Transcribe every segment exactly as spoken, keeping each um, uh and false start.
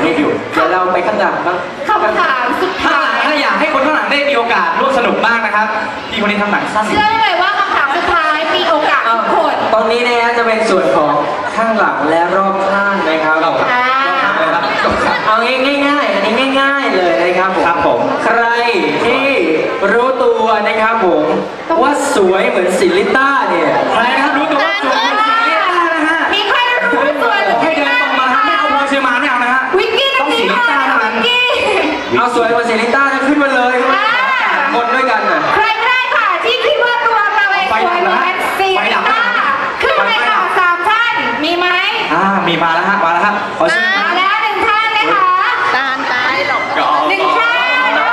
รูปอยู่เดี๋ยวเราไปข้างหลังบ้างคำถามสุดท้ายถ้าอยากให้คนข้างหลังได้มีโอกาสร่วมสนุกบ้างนะครับพี่คนนี้ทำหนังสั้นเชื่อเลยว่าคำถามสุดท้ายมีโอกาสทุกคนตอนนี้นะฮะจะเป็นส่วนของข้างหลังและรอบข้างนะครับเอาง่ายๆอันนี้ง่ายๆเลยนะครับผมครับผมใครที่รู้ตัวนะครับผมว่าสวยเหมือนซิลิต้าเนี่ยใครนะครับรู้ตัวว่าสวยเหมือนซิลิต้านะฮะมีใครรู้ตัวหรือให้เดินตรงมาไม่เอาพอเชียร์มาไม่เอานะฮะวิกกี้ต้องซิลิต้าเท่านั้นเอาสวยเหมือนซิลิต้าจะขึ้นมาเลยคนด้วยกันน่ะใครก็ได้ค่ะที่คิดว่าตัวเราเองสวยเหมือนซิลิต้าขึ้นไปค่ะสามท่านมีไหมอ่ามีมาแล้วฮะมาแล้วฮะขอเชิญมาแล้วหนึ่งท่านนะคะตาตายหรอกหนึ่งท่าน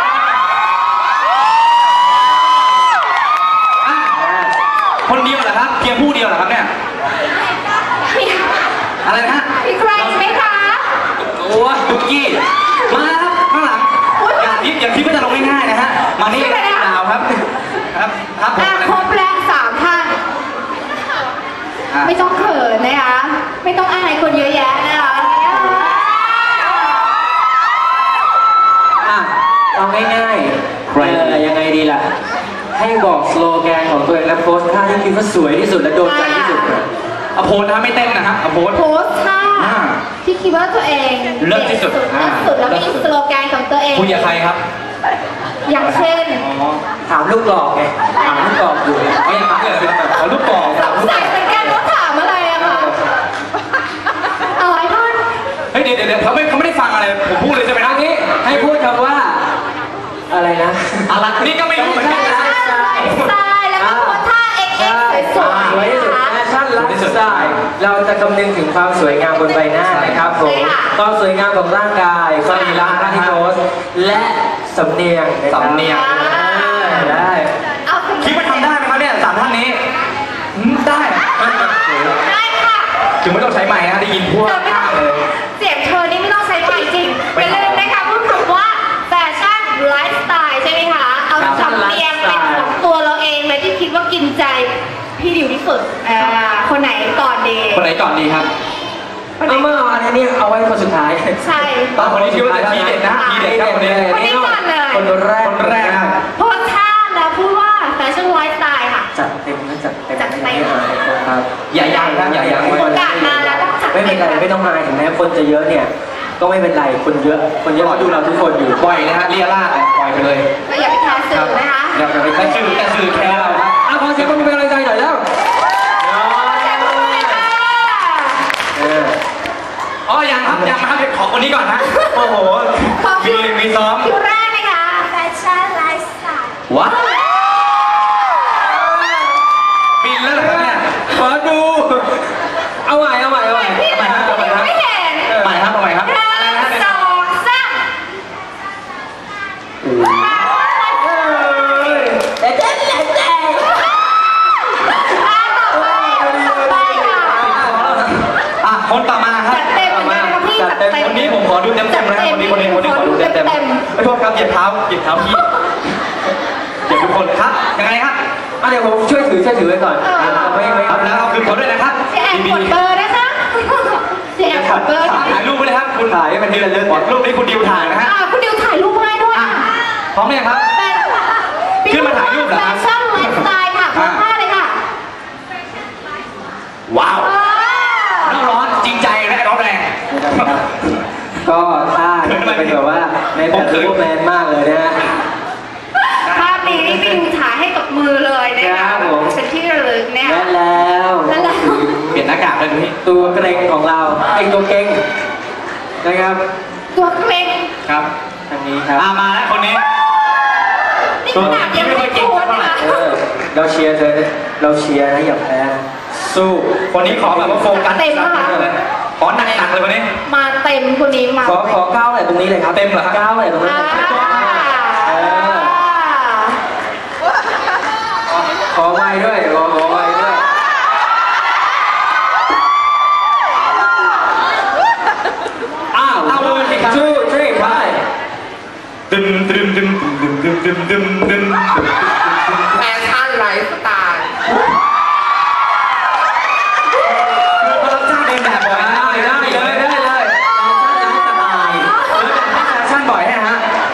คนเดียวเหรอครับเพียงผู้เดียวเหรอครับเนี่ยอะไรนะฮะมีใครไหมคะโอ้ยตุ๊กกี้มาครับข้างหลังอย่าคิดอย่าคิดว่าจะลงง่ายๆนะฮะมานี่ดาวครับครับครับครบแล้วสามท่านไม่ต้องเขินนะคะไม่ต้องอายคนเยอะแยะนะคะอ่ะเอาง่ายๆเออยังไงดีล่ะให้บอกสโลแกนของตัวเองและโพสท่าที่คิดว่าสวยที่สุดและโดนใจที่สุดเอาโพสนะไม่เต้นนะครับเอาโพสโพสท่าที่คิดว่าตัวเองเลิศที่สุดเลิศสุดแล้วมีสโลแกนของตัวเองคุยกับใครครับอย่างเช่นถามลูกกรอกไงถามลูกกรอกอยู่ไม่ถามเลยเอาลูกกรอกสงสัยเหมือนกันว่าถามอะไรอะค่ะเอาไอ้ท่านเฮ้ยเดี๋ยวเดี๋ยวเขาไม่เขาไม่ได้ฟังอะไรผมพูดเลยใช่ไหมนะนี่ให้พูดคำว่าอะไรนะอะไรนี่ก็ไม่รู้เหมือนกันนะใช่แล้วก็โพสท่าเอ็กเอ็กสวยๆนะคะแฟชั่นไลฟ์สไตล์เราจะคำนึงถึงความสวยงามบนใบหน้านะครับผมความสวยงามของร่างกายความมีร่างที่โพสและสำเนียงสำเนียงได้คิดว่าทำได้ไหมครับเนี่ยสามท่านนี้ได้ได้ค่ะถึงไม่ต้องใช้ไมค์นะได้ยินพวกเลยเสียงเธอนี่ไม่ต้องใช้ไมค์จริงอย่าลืมนะคะพูดคำว่าแฟชั่นไลฟ์สไตล์ใช่ไหมคะเอาสำเนียงเป็นของตัวเราเองเลยที่คิดว่ากินใจพี่ดิวที่สุดคนไหนก่อนดีคนไหนก่อนดีครับเอาเมื่อวานนี้เอาไว้คนสุดท้ายใช่ตอนคนนี้คิดว่าจะทีเด็ดนะทีเด็ดครับคนนี้คนนี้ก่อนเลยคนแรกคนแรกโพสท่าแล้วพูดว่าแฟชั่นไลฟ์สไตล์ค่ะจัดเต็มนะจัดเต็มจัดเต็มครับอย่ายังนะอย่ายังโอกาสมาแล้วต้องจัดไม่เป็นไรไม่ต้องอายถึงแม้คนจะเยอะเนี่ยก็ไม่เป็นไรคนเยอะคนเยอะดูเราทุกคนอยู่ปล่อยนะฮะเรียราดปล่อยไปเลยก็อย่าไปแคร์สื่อนะคะอย่าไปแคร์สื่อแต่สื่อแคร์เราครับอ่ะขอเสียงปรบมือเป็นกำลังใจหน่อยแล้วอ๋อยังครับยังนะครับขอคนนี้ก่อนนะโอ้โหมีมีซ้อมคิวแรกนะคะแฟชั่นไลฟ์สไตล์ว้าวบินแล้วเหรอเนี่ยขอดูเอาใหม่เอาใหม่เอาใหม่พี่ไม่เห็นใหม่ครับเอาใหม่ครับสองสามเด็ดเด็ดเด็ดเด็ดอ่ะคนต่อมาครับจัดเต็มเหมือนกันครับพี่จัดเต็มคนนี้ผมขอดูเต็มเต็มนะครับคนนี้คนนี้คนนี้ขอดูเต็มเต็มไม่โทษครับเหยียบเท้าเหยียบเท้าพี่เหยียบทุกคนครับยังไงครับอ่ะเดี๋ยวผมช่วยถือช่วยถือไว้ก่อนไม่ไม่ครับแล้วเอาคืนเขาด้วยนะครับเจ๊แอนกดเบอร์นะคะเจ๊แอนกดเบอร์ถ่ายรูปไว้เลยครับคุณถ่ายเป็นที่ระลึกรูปนี้คุณดิวถ่ายนะฮะคุณดิวถ่ายรูปให้ด้วยพร้อมไหมครับขึ้นมาถ่ายรูปเหรอครับแฟชั่นไลฟ์สไตล์ค่ะพร้อมท่าเลยค่ะว้าวน้ำร้อนจริงใจและร้อนแรงก็ท่าเป็นแบบว่าในแบบรูปแมนมากเลยนะฮะภาพนี้นี่พี่ดิวถ่ายให้กับมือเลยนะคะเป็นที่ระลึกเนี่ยและแล้วเปลี่ยนหน้ากากเลยพี่ตัวเกรงของเราไอตัวเกรงนะครับตัวเกรงครับทางนี้ครับมาแล้วคนนี้ตัวยังไม่เก่งเท่าไหร่เราเชียร์เธอเราเชียร์นะอย่าแพ้สู้คนนี้ขอแบบว่าโฟกัสเต็มค่ะขอหนักหนักเลยวันนี้มาเต็มคนนี้มาขอขอก้าวอะไรตรงนี้เลยครับเต็มเหรอครับก้าวอะไรตรงนี้ขอไว้ด้วยขอขอไว้ด้วยอ้าวเอาเลยครับชูทรีไปดึมดึมดึมดึมดึมดึมดึมดึมแฟชั่นไลฟ์สไตล์คือพอเราจ้างเดินแบบบ่อยได้ได้เลยได้เลยแฟชั่นไลฟ์สไตล์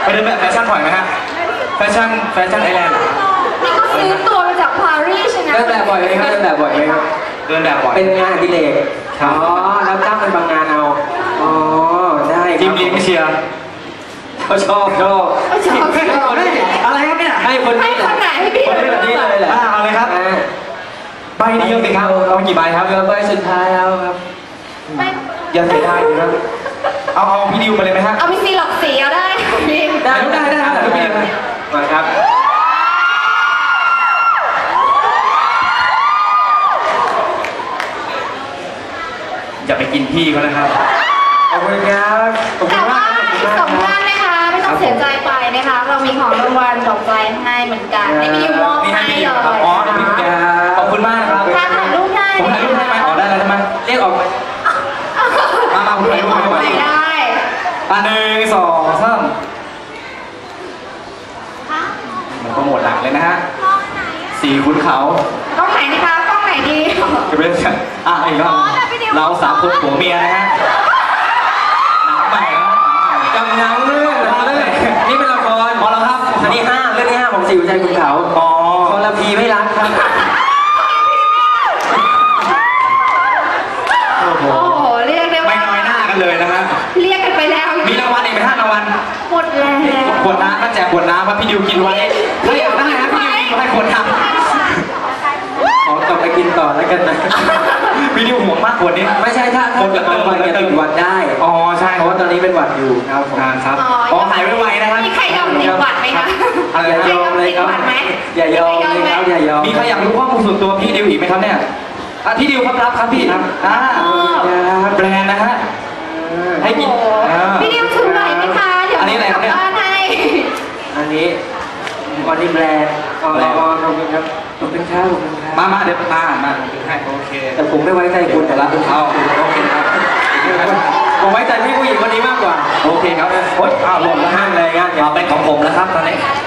ไปเดินแบบแฟชั่นบ่อยไหมฮะแฟชั่นแฟชั่นไอแลนด์นี่ก็ซื้อตัวมาจากปารีสนะเดินแบบบ่อยไหมครับเดินแบบบ่อยไหมครับเดินแบบบ่อยเป็นงานอดิเรกอ๋อรับจ้างเป็นบางงานเอาอ๋อได้ครับทีมเลี้ยงเชียร์เขาชอบชอบไม่ชอบชอบเฮ้ยอะไรครับเนี่ยให้คนให้นี้แหคละนไหนให้พี่คนนี้แบบนี้เลยแหละอ่าเอาเลยครับอ่าใบเดียวสิครับเอากี่ใบครับเหลือใบสุดท้ายแล้วครับไม่อย่าเสียดายเลยครับเอาเอาพี่ดิวมาเลยไหมฮะเอาไปซีหลอกสีเอาได้พี่ได้ได้ได้ครับมาครับอย่าไปกินพี่เขานะครับขอบคุณครับขอบคุแต่ณมาว่าก อีกสองท่านนะคะไม่ต้องเสียใจไปนะคะ เรามีของรางวัลดอกไม้ให้เหมือนกันให้พี่ยูมอบนี่ให้ให้พี่เลดิวย ครับอ๋อนี่พี่ดิวขอบคุณมากนะครับถ้าถ่ายรูปได้ผมถ่ายรูปได้ไหมอ๋อได้แล้วใช่ไหมเรียกออกมามามาผมถ่ายรูปให้ถ่ายได้อ่ะหนึ่งสองสามมันก็หมดหลังเลยนะฮะสี่ขุนเขากล้องไหนนะคะกล้องไหนดีจะเป็นอ่ะอีกรอบเราสามคนผัวเมียนะฮะหนังใหม่นะกำลังเรื่องเรื่องนี่เป็นละครพอแล้วครับอันนี้ห้าเรื่องที่ห้าของสิวใจคุณเขาอ๋อคนละพีไม่รักครับโอ้โหโอ้โหเรียกได้ไม่ว่าน้อยหน้ากันเลยนะฮะเรียกกันไปแล้วมีรางวัลอีกไหมฮะรางวัลหมดแล้วขวดน้ำก็แจกขวดน้ำครับพี่ดิวกินไว้ถ้าอยากได้นะพี่ดิวกินไว้ขวดน้ขอกลับไปกินต่อแล้วกันนะำพี่ดิวห่วงมากขวดนี้ไม่ใช่ถ้าถ้าจะมาวันจะติดหวัดได้อ๋อใช่เพราะว่าตอนนี้เป็นหวัดอยู่ครับผมอ่าครับอ๋อหายไวๆนะครับมีใครยอมติดหวัดไหมคะอย่ายอมเลยครับมีใครยอมติดหวัดไหมอย่ายอมเลยครับอย่ายอมมีใครอยากรู้ข้อมูลส่วนตัวพี่ดิวอีกไหมครับเนี่ยอ่ะพี่ดิวครับรับครับพี่ครับอ่าแบรนด์นะฮะ ให้กินโอ้โหอ่าพี่ดิวถือไหวไหมคะเดี๋ยวอันนี้อะไรครับเนี่ยกลับ้านให้อันนี้วันนี้แบรนด์อ๋ออ๋อขอบคุณครับขอบคุณครับขอบคุณครับมามาเดี๋ยวมามาถือให้โอเคแต่ผมไม่ไว้ใจคุณแต่ละเอาโอเคครับผมไว้ใจพี่ผู้หญิงคนนี้มากกว่าโอเคครับโอ๊ยอ้าวหล่นแล้วห้าฮะมเลยงั้นเอาเป็นของผมแล้วครับตอนนี้ได้